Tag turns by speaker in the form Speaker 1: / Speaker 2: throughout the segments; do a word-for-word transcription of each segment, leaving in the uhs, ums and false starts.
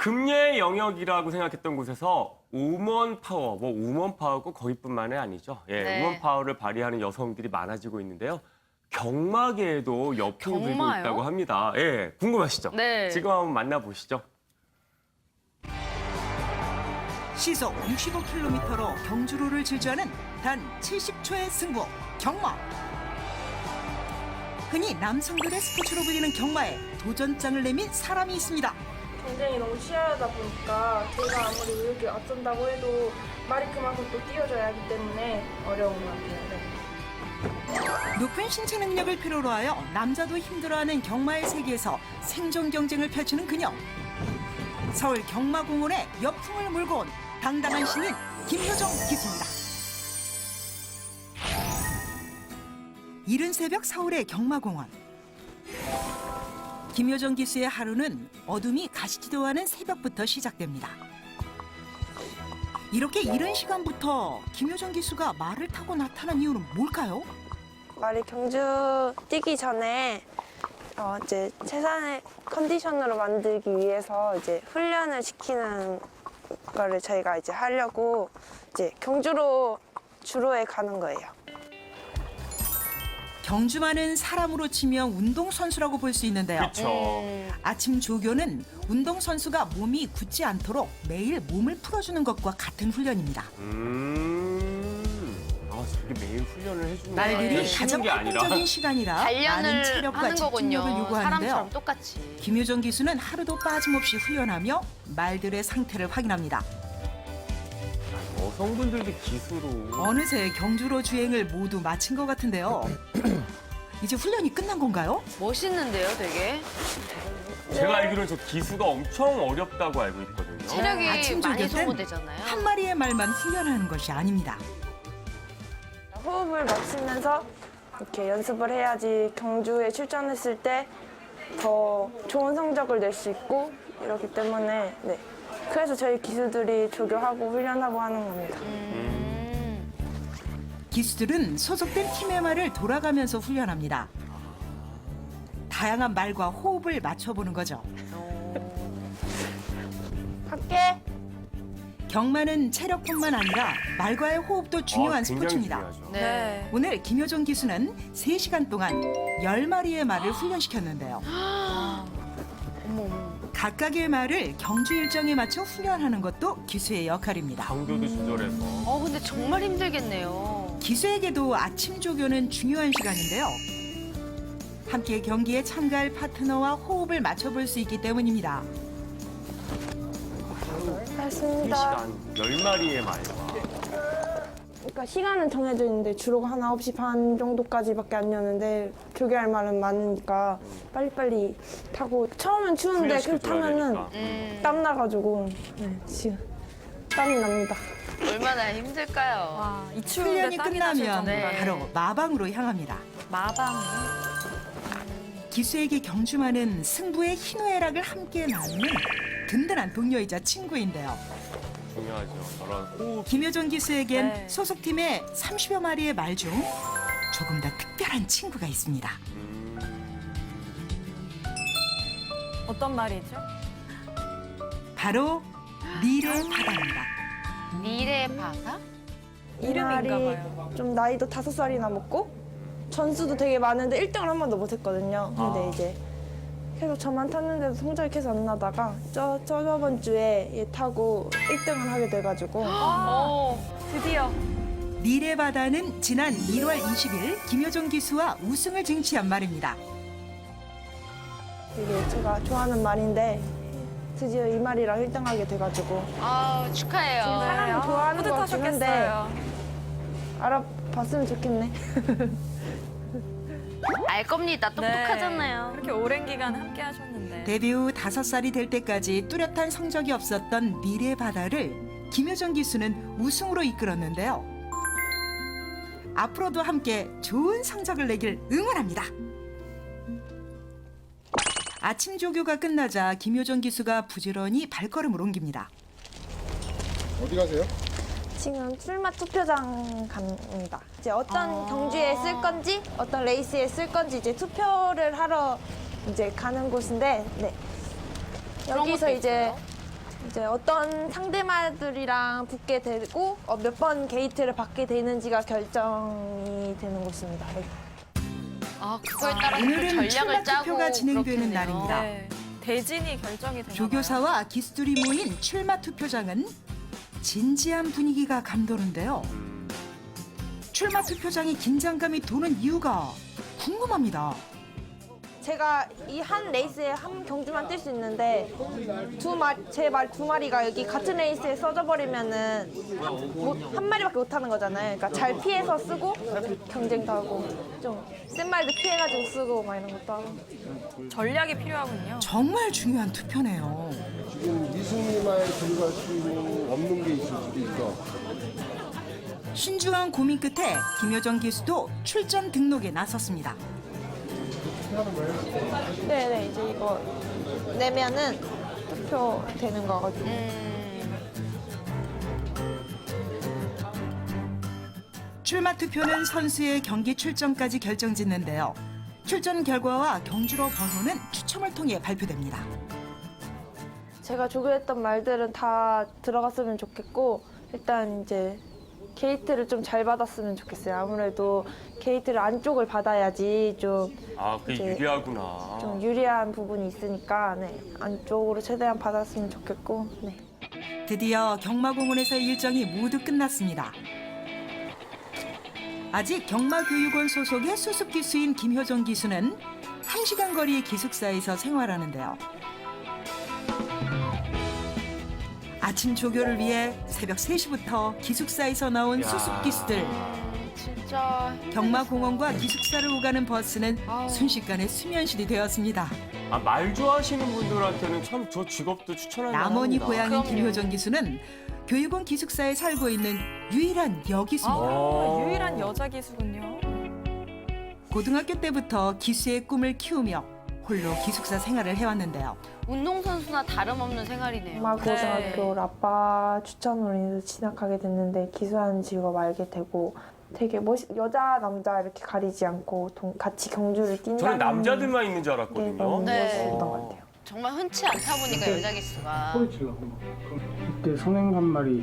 Speaker 1: 금예의 영역이라고 생각했던 곳에서 우먼 파워, 뭐 우먼 파워고 거기뿐만이 아니죠. 예,
Speaker 2: 네.
Speaker 1: 우먼 파워를 발휘하는 여성들이 많아지고 있는데요. 경마계에도 여풍이 불고
Speaker 2: 경마요?
Speaker 1: 있다고 합니다. 예, 궁금하시죠?
Speaker 2: 네.
Speaker 1: 지금 한번 만나보시죠.
Speaker 3: 시속 육십오 킬로미터로 경주로를 질주하는 단 칠십 초의 승부, 경마. 흔히 남성들의 스포츠로 불리는 경마에 도전장을 내민 사람이 있습니다.
Speaker 4: 경쟁이 너무 치열하다 보니까 제가 아무리 의욕이 앞선다고 해도 말이 그만큼 또 뛰어줘야 하기 때문에 어려운 것 같아요. 네.
Speaker 3: 높은 신체 능력을 필요로 하여 남자도 힘들어하는 경마의 세계에서 생존 경쟁을 펼치는 그녀. 서울 경마공원에 여풍을 몰고 온 당당한 신인 김효정 기수입니다. 이른 새벽 서울의 경마공원. 김효정 기수의 하루는 어둠이 가시지도 않은 새벽부터 시작됩니다. 이렇게 이른 시간부터 김효정 기수가 말을 타고 나타난 이유는 뭘까요?
Speaker 4: 말이 경주 뛰기 전에 어 이제 최선의 컨디션으로 만들기 위해서 이제 훈련을 시키는 거를 저희가 이제 하려고 이제 경주로 주로에 가는 거예요.
Speaker 3: 경주마는 사람으로 치면 운동선수라고 볼 수 있는데요.
Speaker 1: 그렇죠.
Speaker 2: 음.
Speaker 3: 아침 조교는 운동선수가 몸이 굳지 않도록 매일 몸을 풀어주는 것과 같은 훈련입니다.
Speaker 1: 음, 아, 저게 매일 훈련을 해주는 거
Speaker 3: 날들이
Speaker 1: 아니에요? 쉬는
Speaker 3: 가장
Speaker 1: 게 아니라.
Speaker 3: 활동적인 시간이라 많은
Speaker 2: 단련을
Speaker 3: 체력과
Speaker 2: 하는
Speaker 3: 집중력을
Speaker 2: 거군요.
Speaker 3: 요구하는데요.
Speaker 2: 사람처럼 똑같이.
Speaker 3: 김효정 기수는 하루도 빠짐없이 훈련하며 말들의 상태를 확인합니다.
Speaker 1: 여성분들도 기수로.
Speaker 3: 어느새 경주로 주행을 모두 마친 것 같은데요. 이제 훈련이 끝난 건가요?
Speaker 2: 멋있는데요, 되게.
Speaker 1: 제가 알기로는 저 기수가 엄청 어렵다고 알고 있거든요.
Speaker 2: 체력이
Speaker 3: 아침
Speaker 2: 많이
Speaker 3: 조교 땐
Speaker 2: 소모되잖아요.
Speaker 3: 한 마리의 말만 훈련하는 것이 아닙니다.
Speaker 4: 호흡을 맞추면서 이렇게 연습을 해야지 경주에 출전했을 때 더 좋은 성적을 낼 수 있고 이렇기 때문에 네. 그래서 저희 기수들이 조교하고 훈련하고 하는 겁니다.
Speaker 2: 음.
Speaker 3: 기수들은 소속된 팀의 말을 돌아가면서 훈련합니다. 다양한 말과 호흡을 맞춰보는 거죠.
Speaker 4: 할게.
Speaker 3: 경마는 체력뿐만 아니라 말과의 호흡도 중요한
Speaker 1: 아, 굉장히
Speaker 3: 스포츠입니다.
Speaker 1: 중요하죠.
Speaker 2: 네.
Speaker 3: 오늘 김효정 기수는 세 시간 동안 열 마리의 말을 훈련시켰는데요.
Speaker 2: 어머, 어머.
Speaker 3: 각각의 말을 경주 일정에 맞춰 훈련하는 것도 기수의 역할입니다.
Speaker 1: 강도도 조절해서.
Speaker 2: 어, 근데 정말 힘들겠네요.
Speaker 3: 기수에게도 아침 조교는 중요한 시간인데요. 함께 경기에 참가할 파트너와 호흡을 맞춰볼 수 있기 때문입니다.
Speaker 4: 알겠습니다.
Speaker 1: 세 시간 열 마리의 말과.
Speaker 4: 그러니까 시간은 정해져 있는데 주로 한 아홉 시 반 정도까지밖에 안 여는데 조교할 말은 많으니까 빨리빨리 타고 처음엔 추운데 그
Speaker 1: 훈련시켜줘야
Speaker 4: 타면은
Speaker 1: 되니까.
Speaker 2: 음.
Speaker 4: 땀 나가지고 네, 지금 땀이 납니다.
Speaker 2: 얼마나 힘들까요?
Speaker 5: 와, 이 추운데
Speaker 3: 훈련이
Speaker 5: 땀이 나실
Speaker 3: 끝나면
Speaker 5: 정도라니.
Speaker 3: 바로 마방으로 향합니다.
Speaker 5: 마방.
Speaker 3: 기수에게 경주마는 승부의 희노애락을 함께 나누는 든든한 동료이자 친구인데요.
Speaker 1: 중요하죠. 저런 호흡.
Speaker 3: 김효정 기수에겐
Speaker 5: 네.
Speaker 3: 소속팀의 삼십여 마리의 말 중 조금 더 특별한 친구가 있습니다.
Speaker 1: 음,
Speaker 5: 어떤 말이죠?
Speaker 3: 바로 닐의 바다입니다.
Speaker 2: 미래 바다?
Speaker 5: 이름인가
Speaker 4: 이날이
Speaker 5: 봐요.
Speaker 4: 좀 나이도 다섯 살이나 먹고 전수도 되게 많은데 일 등을 한 번도 못 했거든요. 근데
Speaker 1: 아.
Speaker 4: 이제 계속 저만 탔는데도 성적이 계속 안 나다가 저, 저 저번 주에 얘 타고 일 등을 하게 돼가지고
Speaker 2: 어.
Speaker 5: 드디어.
Speaker 3: 닐의 바다는 지난 일월 이십일 김효정 기수와 우승을 쟁취한 말입니다.
Speaker 4: 이게 제가 좋아하는 말인데 드디어 이 말이랑 일 등 하게 돼가지고
Speaker 2: 아, 축하해요.
Speaker 4: 사람이 좋아하는 것 같긴 한데
Speaker 5: 뿌듯하셨겠어요.
Speaker 4: 알아봤으면 좋겠네.
Speaker 2: 알 겁니다. 똑똑하잖아요.
Speaker 5: 네, 그렇게 오랜 기간 함께 하셨는데.
Speaker 3: 데뷔 후 다섯 살이 될 때까지 뚜렷한 성적이 없었던 닐의 바다를 김효정 기수는 우승으로 이끌었는데요. 앞으로도 함께 좋은 성적을 내길 응원합니다. 아침 조교가 끝나자 김효정 기수가 부지런히 발걸음을 옮깁니다.
Speaker 6: 어디 가세요?
Speaker 4: 지금 출마 투표장 갑니다. 이제 어떤 경주에 쓸 건지, 어떤 레이스에 쓸 건지 이제 투표를 하러 이제 가는 곳인데, 네.
Speaker 2: 그런
Speaker 4: 여기서
Speaker 2: 것도
Speaker 4: 이제
Speaker 2: 있어요?
Speaker 4: 이제 어떤 상대마들이랑 붙게 되고 어, 몇 번 게이트를 받게 되는지가 결정이 되는 곳입니다. 네.
Speaker 2: 아, 그거에 따라서 또
Speaker 3: 오늘은 출마
Speaker 2: 전략을 짜고
Speaker 3: 투표가 진행되는
Speaker 2: 그렇겠네요.
Speaker 3: 날입니다.
Speaker 5: 네. 대진이 결정이 되나
Speaker 3: 조교사와 기수들이 모인 출마 투표장은 진지한 분위기가 감도는데요. 출마 투표장이 긴장감이 도는 이유가 궁금합니다.
Speaker 4: 제가 이 한 레이스에 한 경주만 뛸 수 있는데 두 마리, 제 말 두 마리가 여기 같은 레이스에 써져 버리면은 못, 한 마리밖에 못 하는 거잖아요. 그러니까 잘 피해서 쓰고 경쟁도 하고 좀 센 말도 피해가지고 쓰고 막 이런 것도 하고.
Speaker 5: 전략이 필요하군요.
Speaker 3: 정말 중요한 투표네요.
Speaker 6: 지금 이승리만 들어갈 수 있는 없는 게 있을 수도 있어.
Speaker 3: 신중한 고민 끝에 김효정 기수도 출전 등록에 나섰습니다.
Speaker 4: 네네 이제 이거 내면은 투표 되는 거거든요.
Speaker 2: 음,
Speaker 3: 출마 투표는 선수의 경기 출전까지 결정짓는데요. 출전 결과와 경주로 번호는 추첨을 통해 발표됩니다.
Speaker 4: 제가 조교했던 말들은 다 들어갔으면 좋겠고 일단 이제 게이트를 좀 잘 받았으면 좋겠어요. 아무래도 게이트를 안쪽을 받아야지 좀,
Speaker 1: 아, 그게
Speaker 4: 이제
Speaker 1: 유리하구나.
Speaker 4: 좀 유리한 부분이 있으니까 네, 안쪽으로 최대한 받았으면 좋겠고 네.
Speaker 3: 드디어 경마공원에서의 일정이 모두 끝났습니다. 아직 경마교육원 소속의 수습 기수인 김효정 기수는 한 시간 거리의 기숙사에서 생활하는데요. 아침 조교를 위해 새벽 세 시부터 기숙사에서 나온
Speaker 1: 야.
Speaker 3: 수습 기수들.
Speaker 2: 진짜
Speaker 3: 경마공원과 기숙사를 오가는 버스는
Speaker 2: 아우.
Speaker 3: 순식간에 수면실이 되었습니다.
Speaker 1: 아, 말 좋아하시는 분들한테는 참 저 직업도 추천할
Speaker 3: 남원이
Speaker 1: 만합니다.
Speaker 3: 고향인
Speaker 2: 그럼요.
Speaker 3: 김효정 기수는 교육원 기숙사에 살고 있는 유일한 여기수입니다.
Speaker 5: 아, 유일한 여자 기수군요.
Speaker 3: 고등학교 때부터 기수의 꿈을 키우며 홀로 기숙사 생활을 해왔는데요.
Speaker 2: 운동선수나 다름없는 생활이네요.
Speaker 4: 엄마 고등학교를 아빠 추천으로 인해서 진학하게 됐는데 기수하는 직업 알게 되고 되게 멋있 여자 남자 이렇게 가리지 않고 동, 같이 경주를 뛴다는
Speaker 1: 저는 남자들만 있는 줄
Speaker 4: 게
Speaker 1: 알았거든요.
Speaker 4: 너무
Speaker 2: 네.
Speaker 4: 멋있었던 것 같아요.
Speaker 2: 정말 흔치 않다 보니까 여자 기수가.
Speaker 7: 소리 질러. 이때 선행 한 마리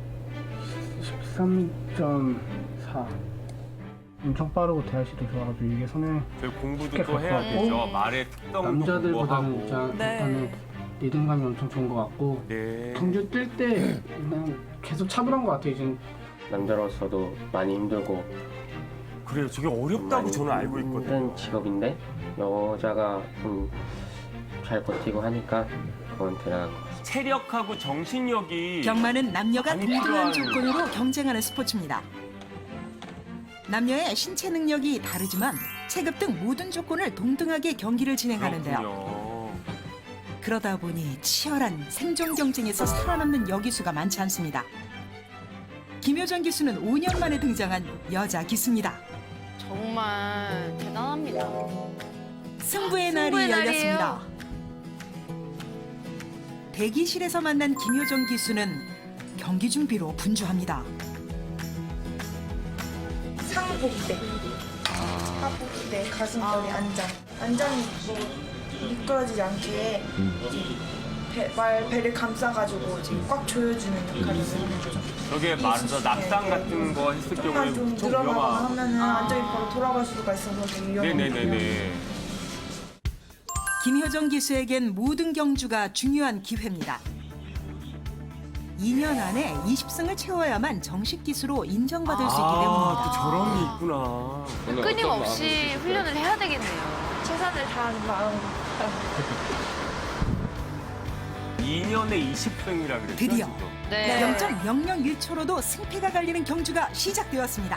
Speaker 7: 십삼 점 사. 엄청 빠르고 대하시도 좋아가지고 이게 선행
Speaker 1: 저희 공부도
Speaker 7: 쉽게
Speaker 1: 또 해야
Speaker 7: 갖고
Speaker 1: 되죠.
Speaker 7: 왔고,
Speaker 1: 말의 특성도
Speaker 7: 남자들보다는
Speaker 1: 공부하고.
Speaker 7: 일단,
Speaker 5: 네.
Speaker 7: 일단은 리듬감이 엄청 좋은 것 같고
Speaker 1: 네.
Speaker 7: 경주 뛸 때 그냥 계속 차분한 것 같아요. 지금
Speaker 8: 남자로서도 많이 힘들고
Speaker 1: 그래요. 저게 어렵다고
Speaker 8: 많이
Speaker 1: 저는 알고 있거든요.
Speaker 8: 힘든 직업인데 여자가 좀 잘 버티고 하니까 그건 대단한 것 같습니다.
Speaker 1: 체력하고 정신력이
Speaker 3: 경마는 남녀가
Speaker 1: 많이
Speaker 3: 동등한
Speaker 1: 필요한-
Speaker 3: 조건으로 경쟁하는 스포츠입니다. 남녀의 신체 능력이 다르지만 체급 등 모든 조건을 동등하게 경기를 진행하는데요.
Speaker 1: 그렇군요.
Speaker 3: 그러다 보니 치열한 생존 경쟁에서 살아남는 여기수가 많지 않습니다. 김효정 기수는 오 년 만에 등장한 여자 기수입니다.
Speaker 2: 정말 대단합니다.
Speaker 3: 승부의 날이
Speaker 2: 승부의
Speaker 3: 열렸습니다.
Speaker 2: 날이에요.
Speaker 3: 대기실에서 만난 김효정 기수는 경기 준비로 분주합니다.
Speaker 9: 상복대, 하복대, 가슴걸이 안장. 안장이 뭐 미끄러지지 않게 배, 말 배를 감싸가지고 이제 꽉 조여주는 역할을 하는 거죠.
Speaker 1: 저게 말해서 낙상 같은 거 했을
Speaker 9: 약간
Speaker 1: 경우에
Speaker 9: 좀
Speaker 1: 좀
Speaker 9: 늘어나거나
Speaker 1: 위험한.
Speaker 9: 하면은 안장이 바로 돌아갈 수가 있어서 되게 위험한
Speaker 1: 네네네네.
Speaker 3: 김효정 기수에겐 모든 경주가 중요한 기회입니다. 이 년 안에 이십 승을 채워야만 정식 기수로 인정받을 수 있기
Speaker 1: 아,
Speaker 3: 때문입니다.
Speaker 1: 또 저런 게 있구나.
Speaker 2: 끊임없이 훈련을 해야 되겠네요.
Speaker 4: 최선을 다하는 마음.
Speaker 1: 이 년에 이십 승이라 그랬죠.
Speaker 3: 드디어.
Speaker 1: 지금.
Speaker 2: 네.
Speaker 3: 영 점 영영일 초로도 승패가 갈리는 경주가 시작되었습니다.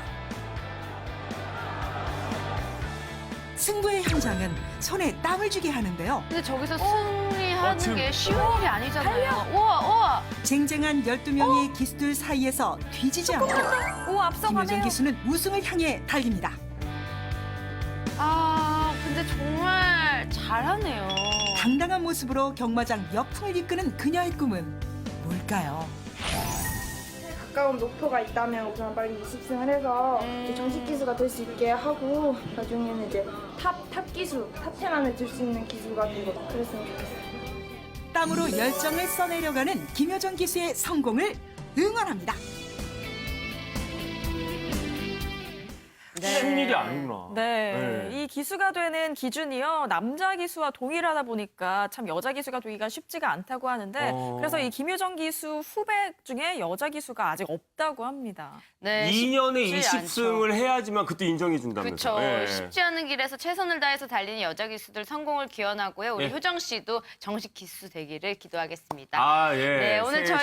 Speaker 3: 승부의 현장은 손에 땀을 쥐게 하는데요.
Speaker 2: 근데 저기서 승리하는
Speaker 1: 어, 지금-
Speaker 2: 게 쉬운 일이 아니잖아요. 우와, 우와.
Speaker 3: 쟁쟁한 열두 명의 기수들 사이에서 뒤지지 않고
Speaker 5: 오,
Speaker 3: 김효정
Speaker 5: 앞서가네요.
Speaker 3: 기수는 우승을 향해 달립니다.
Speaker 2: 아, 근데 정말 잘하네요.
Speaker 3: 당당한 모습으로 경마장 역풍을 이끄는 그녀의 꿈은 뭘까요?
Speaker 9: 가까운 목표가 있다면 우선 빨리 이십 승을 해서
Speaker 2: 음.
Speaker 9: 이제 정식 기수가 될 수 있게 하고 나중에는 이제 탑, 탑 기수, 탑 텐 안에 들 수 있는 기수가 되고 그랬으면 좋겠어요.
Speaker 3: 땀으로 열정을 써내려가는 김효정 기수의 성공을 응원합니다.
Speaker 1: 쉬운 일이 아니구나.
Speaker 5: 네.
Speaker 1: 네.
Speaker 5: 이 기수가 되는 기준이요. 남자 기수와 동일하다 보니까 참 여자 기수가 되기가 쉽지가 않다고 하는데
Speaker 1: 어.
Speaker 5: 그래서 이 김효정 기수 후배 중에 여자 기수가 아직 없다고 합니다.
Speaker 2: 네,
Speaker 1: 이 년에
Speaker 2: 쉽지
Speaker 1: 이십
Speaker 2: 않죠.
Speaker 1: 승을 해야지만 그때 인정해 준다면서.
Speaker 2: 그렇죠. 쉽지 않은 길에서 최선을 다해서 달리는 여자 기수들 성공을 기원하고요. 우리
Speaker 1: 예.
Speaker 2: 효정 씨도 정식 기수 되기를 기도하겠습니다.
Speaker 1: 아, 예.
Speaker 2: 네, 오늘
Speaker 1: 새해
Speaker 2: 저희